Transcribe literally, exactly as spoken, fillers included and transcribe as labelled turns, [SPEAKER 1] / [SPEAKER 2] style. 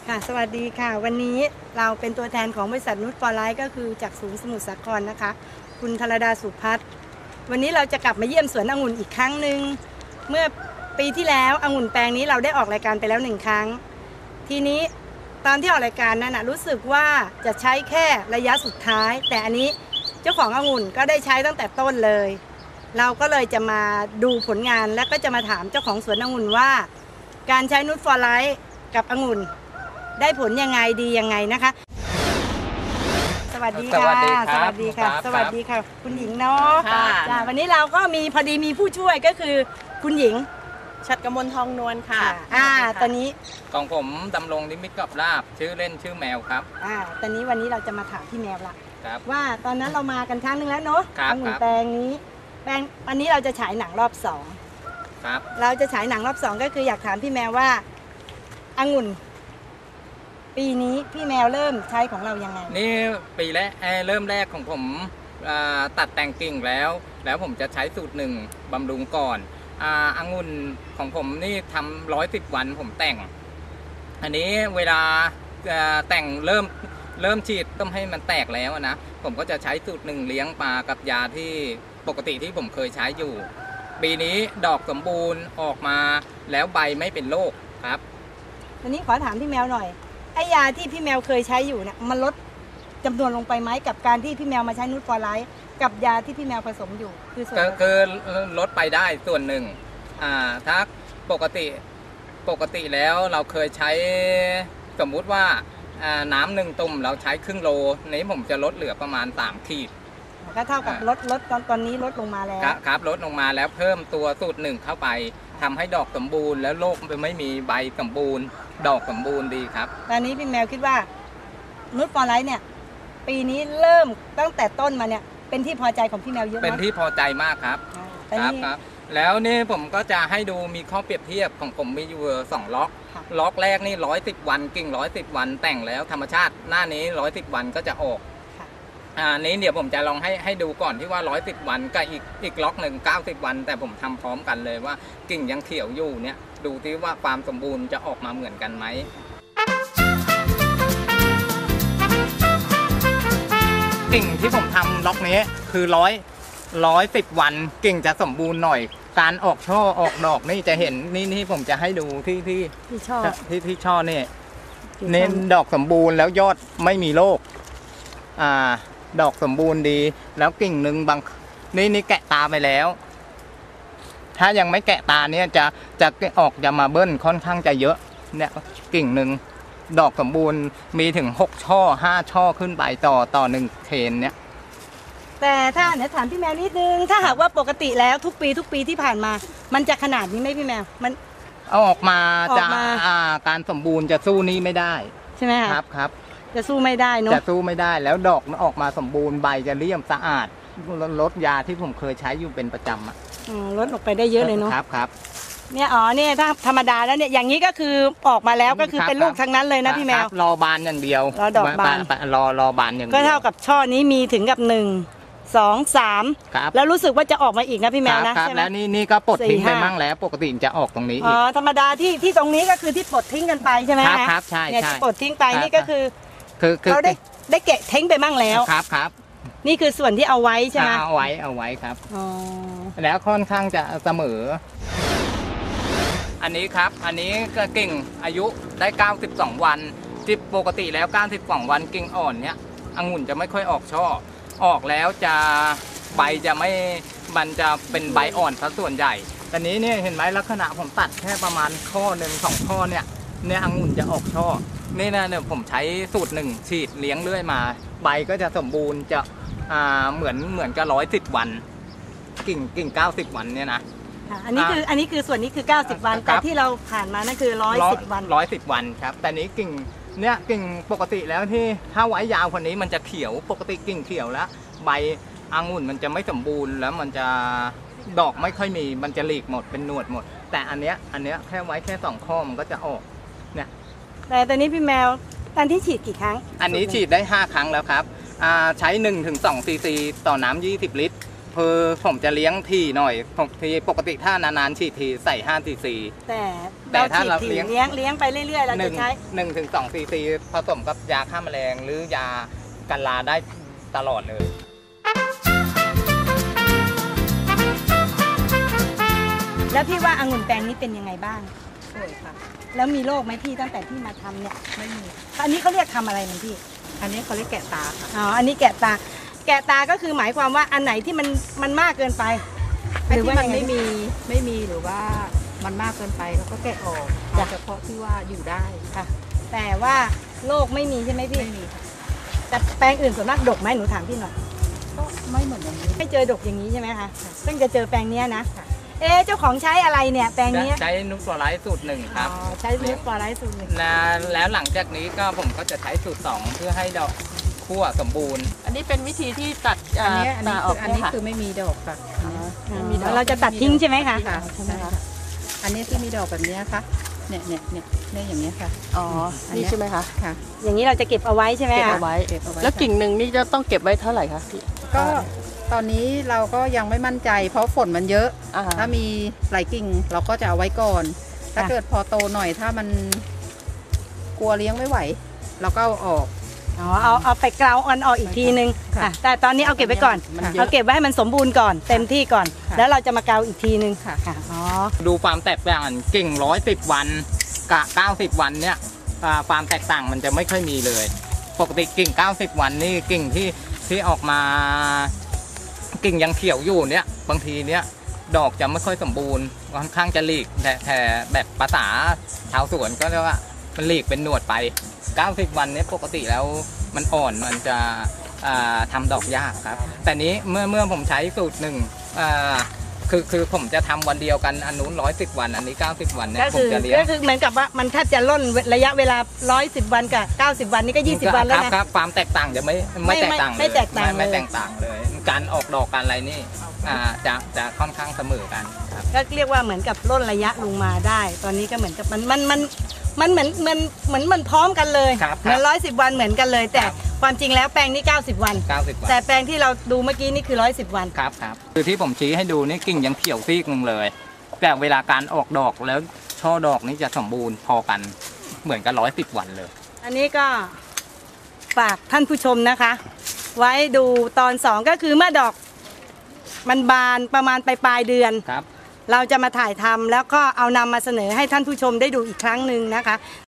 [SPEAKER 1] ค่ะสวัสดีค่ะวันนี้เราเป็นตัวแทนของบริษัทนุชฟอร์ไลท์ก็คือจากศูนย์สมุทรสาครนะคะคุณธรดาสุพัฒน์วันนี้เราจะกลับมาเยี่ยมสวนองุ่นอีกครั้งหนึ่งเมื่อปีที่แล้วองุ่นแปลงนี้เราได้ออกรายการไปแล้วหนึ่งครั้งทีนี้ตอนที่ออกรายการนั้นนะรู้สึกว่าจะใช้แค่ระยะสุดท้ายแต่อันนี้เจ้าขององุ่นก็ได้ใช้ตั้งแต่ต้นเลยเราก็เลยจะมาดูผลงานและก็จะมาถามเจ้าของสวนองุ่นว่าการใช้นุชฟอร์ไลท์กับองุ่นได้ผลยังไงดียังไงนะคะสวัสดีค่ะสวัสดีค่ะสวัสดีค่ะคุณหญิงเนาะจ้าวันนี้เราก็มีพอดีมีผู้ช่วยก็คือคุณหญิง
[SPEAKER 2] ชัดกมลทองนวลค่ะ
[SPEAKER 1] อ่าตอนนี้
[SPEAKER 3] ของผมดำรงนิมิตกับลาบชื่อเล่นชื่อแมวครับ
[SPEAKER 1] อ่าตอนนี้วันนี้เราจะมาถามพี่แมวละ
[SPEAKER 3] ครับ
[SPEAKER 1] ว่าตอนนั้นเรามากันครั้งนึงแล้วเนาะองุ่นแปลงนี้แปลงวันนี้เราจะฉายหนังรอบสอง
[SPEAKER 3] ครับ
[SPEAKER 1] เราจะฉายหนังรอบสองก็คืออยากถามพี่แมวว่าองุ่นปีนี้พี่แมวเริ่มใช้ของเรายังไง
[SPEAKER 3] นี่ปีแรกเริ่มแรกของผมตัดแต่งกิ่งแล้วแล้วผมจะใช้สูตรหนึ่งบำรุงก่อนองุ่นของผมนี่ทำร้อยสิบวันผมแต่งอันนี้เวลาแต่งเริ่มเริ่มฉีดต้องให้มันแตกแล้วนะผมก็จะใช้สูตรหนึ่งเลี้ยงปลากับยาที่ปกติที่ผมเคยใช้อยู่ปีนี้ดอกสมบูรณ์ออกมาแล้วใบไม่เป็นโรคครับ
[SPEAKER 1] วันนี้ขอถามพี่แมวหน่อยไอยาที่พี่แมวเคยใช้อยู่เนี่ยมันลดจำนวนลงไปไหมกับการที่พี่แมวมาใช้นูตฟอร์ไลท์กับยาที่พี่แมวผสมอยู่คือส่วน
[SPEAKER 3] คือลดไปได้ส่วนหนึ่งอ่าถ้าปกติปกติแล้วเราเคยใช้สมมุติว่าน้ำหนึ่งตุ่มเราใช้ครึ่งโลนี้ผมจะลดเหลือประมาณสามขีด
[SPEAKER 1] ก็เท่ากับลดลดตอนตอนนี้ลดลงมาแล้ว
[SPEAKER 3] ครับลดลงมาแล้วเพิ่มตัวสูตรหนึ่งเข้าไปทำให้ดอกสมบูรณ์แล้วโรคไม่มีใบสมบูรณ์ดอกสมบูรณ์ดีครับ
[SPEAKER 1] ตอนนี้พี่แมวคิดว่านุชฟอร์ไลท์เนี่ยปีนี้เริ่มตั้งแต่ต้นมาเนี่ยเป็นที่พอใจของพี่แมวเยอะไหม
[SPEAKER 3] เป็นที่พอใจมากครับครับครับแล้วนี่ผมก็จะให้ดูมีข้อเปรียบเทียบของผมมีอยู่สองล็อกล็อกแรกนี่ร้อยสิบวันกิ่งร้อยสิบวันแต่งแล้วธรรมชาติหน้านี้ร้อยสิบวันก็จะออกอ่านี้เดี๋ยวผมจะลองให้ให้ดูก่อนที่ว่าร้อยสิบวันกับอีกอีกล็อกหนึ่งเก้าสิบวันแต่ผมทำพร้อมกันเลยว่ากิ่งยังเขียวอยู่เนี่ยดูที่ว่าความสมบูรณ์จะออกมาเหมือนกันไหมกิ่งที่ผมทำล็อกนี้คือร้อยร้อยสิบวันกิ่งจะสมบูรณ์หน่อยการออกช่อออกดอกนี่จะเห็นนี่นี่ผมจะให้ดูที่ที่
[SPEAKER 1] ที่ช่อ
[SPEAKER 3] ที่ที่ช่อนี่เน้นดอกสมบูรณ์แล้วยอดไม่มีโรคอ่าดอกสมบูรณ์ดีแล้วกิ่งหนึ่งบางนี่นี่แกะตาไปแล้วถ้ายังไม่แกะตาเนี่ยจะจะออกจะมาเบิ้ลค่อนข้างจะเยอะเนี่ยกิ่งหนึ่งดอกสมบูรณ์มีถึงหกช่อห้าช่อขึ้นไปต่อต่อหนึ่งเทนเนี่ย
[SPEAKER 1] แต่ถ้าเนี่ยถามพี่แมวนิดนึงถ้าหากว่าปกติแล้วทุกปีทุกปีที่ผ่านมามันจะขนาดนี้ไหมพี่แมวมัน
[SPEAKER 3] เอาออกมาจะการสมบูรณ์จะสู้นี้ไม่ได้
[SPEAKER 1] ใช่ไหม
[SPEAKER 3] ครับครับ
[SPEAKER 1] จะสู้ไม่ได้เนาะ
[SPEAKER 3] จะสู้ไม่ได้แล้วดอกออกมาสมบูรณ์ใบจะเลี่ยมสะอาดลดยาที่ผมเคยใช้อยู่เป็นประจำอ่ะ
[SPEAKER 1] ลดออกไปได้เยอะเลยเนาะ
[SPEAKER 3] ครับครับ
[SPEAKER 1] เนี่ยอ๋อเนี่ยถ้าธรรมดาแล้วเนี่ยอย่างนี้ก็คือออกมาแล้วก็คือเป็นลูกทั้งนั้นเลยนะพี่แมว
[SPEAKER 3] รอบานอย่างเดียว
[SPEAKER 1] รอดอกบาน
[SPEAKER 3] รอรอบานอย่างเดียว
[SPEAKER 1] ก็เท่ากับช่อนี้มีถึงกับหนึ่งสองสามแล้วรู้สึกว่าจะออกมาอีกนะพี่แมวนะใช่ไหม
[SPEAKER 3] แล้วนี่นี่ก็ปลดทิ้งไปมั่งแล้วปกติจะออกตรงนี้
[SPEAKER 1] อ๋อธรรมดาที่ที่ตรงนี้ก็คือที่ปลดทิ้งกันไปใช่ไหม
[SPEAKER 3] ครับครับใช่
[SPEAKER 1] เนี่ยที่ปลดทิ้งไปนี่ก็คือ
[SPEAKER 3] คือ
[SPEAKER 1] เราได้ได้เกะทิ้งไปมั่งแล้ว
[SPEAKER 3] ครับครับ
[SPEAKER 1] นี่คือส่วนที่เอาไว้ใช่ไหม
[SPEAKER 3] เอาไว้เอาไว้ครับอ๋อแล้วค่อนข้างจะเสมออันนี้ครับอันนี้ก็กิ่งอายุได้เก้าสิบสองวันที่ปกติแล้วเก้าสิบสองวันกิ่งอ่อนเนี้ยองุ่นจะไม่ค่อยออกช่อออกแล้วจะใบจะไม่มันจะเป็นใบอ่อนซะส่วนใหญ่ตอนนี้เนี่ยเห็นไหมลักษณะผมตัดแค่ประมาณข้อหนึ่งสองข้อเนี่ยเนี่ยองุ่นจะออกช่อนี่นะเนี่ยผมใช้สูตรหนึ่งฉีดเลี้ยงเรื่อยมาใบก็จะสมบูรณ์จะอ่าเหมือนเหมือนกับร้อยสิบวันกิ่งกิ่งเก้าสิบวันเนี่ยนะ
[SPEAKER 1] อันนี้คืออันนี้คือส่วนนี้คือเก้าสิบวันแต่ที่เราผ่านมานั่นคือร้อยสิบวัน
[SPEAKER 3] ร้อยสิบวันครับแต่นี้กิ่งเนี่ยกิ่งปกติแล้วที่ถ้าไว้ยาวคนนี้มันจะเขียวปกติกิ่งเขียวแล้วใบองุ่นมันจะไม่สมบูรณ์แล้วมันจะดอกไม่ค่อยมีมันจะหลีกหมดเป็นหนวดหมดแต่อันเนี้ยอันเนี้ยแค่ไว้แค่สองข้อมันก็จะออกเนี่ย
[SPEAKER 1] แต่ตอนนี้พี่แมวตอนที่ฉีดกี่ครั้ง
[SPEAKER 3] อันนี้ฉีดได้ห้าครั้งแล้วครับใช้หนึ่งถึงสองซีซีต่อน้ำยี่สิบลิตรเพอผมจะเลี้ยงที่หน่อยผมที่ปกติถ้านานๆฉีดทีใส่ห้าซีซี
[SPEAKER 1] แต่
[SPEAKER 3] แต่
[SPEAKER 1] เรา
[SPEAKER 3] ถ้า
[SPEAKER 1] ฉีด
[SPEAKER 3] เรา
[SPEAKER 1] ถี่
[SPEAKER 3] เลี้ยง
[SPEAKER 1] เลี้ยงเลี้ยงไปเรื่อยๆ เรา
[SPEAKER 3] ห
[SPEAKER 1] จะ
[SPEAKER 3] นึ่ง
[SPEAKER 1] ใช้
[SPEAKER 3] หนึ่งถึงสองซีซีผสมกับยาฆ่าแมลงหรือยากันราได้ตลอดเลย
[SPEAKER 1] แล้วพี่ว่าองุ่นแปลงนี้เป็นยังไงบ้าง
[SPEAKER 2] สวยค่ะ
[SPEAKER 1] แล้วมีโรคไหมพี่ตั้งแต่ที่มาทำเนี่ย
[SPEAKER 2] ไม่มี
[SPEAKER 1] อันนี้เขาเรียกทำอะไรนะพี่
[SPEAKER 2] อันนี้เขาเรียกแกะตาค่ะ
[SPEAKER 1] อ๋อ อันนี้แกะตา แกะตาก็คือหมายความว่าอันไหนที่มันมันมากเกินไป
[SPEAKER 2] ไอ้ที่มัน
[SPEAKER 1] ยังง
[SPEAKER 2] ไม่มีไม่มีหรือว่ามันมากเกินไปเราก็แกะออก
[SPEAKER 1] จ้ะ
[SPEAKER 2] เอาเฉพาะที่ว่าอยู่ได้
[SPEAKER 1] ค่ะ แต่ว่าโรคไม่มีใช่ไหมพี่
[SPEAKER 2] ไม่มีค่ะ
[SPEAKER 1] แต่แปลงอื่นส่วนมากดกไหมหนูถามพี่หน่อย
[SPEAKER 2] ก็ไม่เหมือนอย่างนี้
[SPEAKER 1] ไม่เจอดกอย่างนี้ใช่ไหมคะ
[SPEAKER 2] ค่ะ
[SPEAKER 1] เพิ่งจะเจอแปลงเนี้ยนะ
[SPEAKER 2] ค่ะ
[SPEAKER 1] เอ๊ะเจ้าของใช้อะไรเนี่ยแปลงเนี้ย
[SPEAKER 3] ใช้นุกตัวไลท์สูตรหนึ่งค
[SPEAKER 1] อ๋
[SPEAKER 3] รับ
[SPEAKER 1] อใช้ลิฟฟอร์ไลท์สูตรหนึ่ง
[SPEAKER 3] นะแล้วหลังจากนี้ก็ผมก็จะใช้สูตรสองเพื่อให้ดอกคั่วสมบูรณ์
[SPEAKER 2] อันนี้เป็นวิธีที่ตัด
[SPEAKER 4] อันนี้อัน
[SPEAKER 2] ตา
[SPEAKER 4] นี้
[SPEAKER 2] อ
[SPEAKER 4] คือ อก อันนี้
[SPEAKER 2] เนี่ยค่ะ
[SPEAKER 4] คือไม่มีดอกค่ะอันนี้
[SPEAKER 1] อ๋อ
[SPEAKER 4] ไม่มีดอก
[SPEAKER 1] เราจะตัดทิ้งใช่ไหมคะ
[SPEAKER 4] ค่ะใช่ค่ะอันนี้ที่มีดอกแบบนี้ค่ะเนี่ยเนี่ยเนี่ยเนี่ยอย่างเงี้ยค่ะ
[SPEAKER 2] อ๋อ นี่ใช่ไหมคะ
[SPEAKER 4] ค่ะ
[SPEAKER 1] อย่างนี้เราจะเก็บเอาไว้ใช่ไหม
[SPEAKER 2] เก็บ
[SPEAKER 1] คะ
[SPEAKER 2] เอาไว้
[SPEAKER 4] เก็บเอาไว้
[SPEAKER 2] แล้ว
[SPEAKER 4] ค่ะ
[SPEAKER 2] กิ่งหนึ่งนี่จะต้องเก็บไว้เท่าไหร่คะพี่
[SPEAKER 4] ก็ตอนนี้เราก็ยังไม่มั่นใจ เพราะฝนมันเยอะ
[SPEAKER 2] อ่า
[SPEAKER 4] ถ้ามีหลายกิ่งเราก็จะเอาไว้ก่อน ถ้าเกิดพอโตหน่อยถ้ามันกลัวเลี้ยงไม่ไหว เราก็เอาออก
[SPEAKER 1] อ๋อเอาเอาไปเกลาออนออกอีกทีนึง
[SPEAKER 4] ค่ะ
[SPEAKER 1] อ่ะแต่ตอนนี้เอาเก็บไว้ก่อน
[SPEAKER 4] มันเยอะ
[SPEAKER 1] เอาเก็บไว้ให้มันสมบูรณ์ก่อนเต็มที่ก่อน
[SPEAKER 4] ค่ะ
[SPEAKER 1] แล้วเราจะมาเกลาอีกทีนึง
[SPEAKER 4] ค่ะ
[SPEAKER 1] ค่ะอ๋อ
[SPEAKER 3] ดูความแตกต่างกิ่งร้อยสิบวันกับเก้าสิบวันเนี่ยอ่าความแตกต่างมันจะไม่ค่อยมีเลย ปกติกิ่งเก้าสิบวันนี่กิ่งที่ที่ออกมากิ่งยังเขียวอยู่เนี่ยบางทีเนี่ยดอกจะไม่ค่อยสมบูรณ์ค่อนข้างจะหลีกแต่แต่แบบภาษาชาวสวนก็เรียกว่ามันหลีกเป็นหนวดไปเก้าสิบวันเนี่ยปกติแล้วมันอ่อนมันจะอ่าทำดอกยากครับ แต่นี้เมื่อเมื่อผมใช้สูตรหนึ่งอ่าคือคือผมจะทำวันเดียวกันอันนู้นร้อยสิบวันอันนี้เก้าสิบวันเนี่ย
[SPEAKER 1] ก็
[SPEAKER 3] ผ
[SPEAKER 1] คื
[SPEAKER 3] ม
[SPEAKER 1] อ
[SPEAKER 3] จะเลี้ยง
[SPEAKER 1] ก็คือเหมือนกับว่ามันแทบจะล่นระยะเวลาร้อยสิบวันกับเก้าสิบวันนี่ก็ยี่สิบวันแล้ว
[SPEAKER 3] ครับ
[SPEAKER 1] นะครับ
[SPEAKER 3] ความแตกต่างจะไม่ไม่
[SPEAKER 1] ไม่
[SPEAKER 3] แตกต่างเลย
[SPEAKER 1] ไม่แตกต่าง
[SPEAKER 3] ไม่
[SPEAKER 1] เลย
[SPEAKER 3] แตกต่างเลย การออกดอกการอะไรนี่อ่าจะจะค่อนข้างเสมอกันครับ
[SPEAKER 1] ก็เรียกว่าเหมือนกับล่นระยะลงมาได้ ตอนนี้ก็เหมือนกับมันมันมันมันเหมือนมันเหมือนมันพร้อมกันเลย
[SPEAKER 3] ครับ
[SPEAKER 1] เหมือนร้อยสิบวันเหมือนกันเลย แต่
[SPEAKER 3] ครับ
[SPEAKER 1] ความจริงแล้วแปลงนี้เก้าสิบวัน
[SPEAKER 3] เก้าสิบวัน
[SPEAKER 1] แต่แปลงที่เราดูเมื่อกี้นี่คือร้อยสิบวัน
[SPEAKER 3] ครับครับคือที่ผมชี้ให้ดูนี่กิ่งยังเขียวซีกหนึ่งเลย แต่เวลาการออกดอกแล้วช่อดอกนี่จะสมบูรณ์พอกันเหมือนกันร้อยสิบวันเลย
[SPEAKER 1] อันนี้ก็ฝากท่านผู้ชมนะคะ ไว้ดูตอนสองก็คือเมื่อดอกมันบานประมาณปลายปลายๆเดือน
[SPEAKER 3] ครับ
[SPEAKER 1] เราจะมาถ่ายทำแล้วก็เอานำมาเสนอให้ท่านผู้ชมได้ดูอีกครั้งหนึ่งนะคะ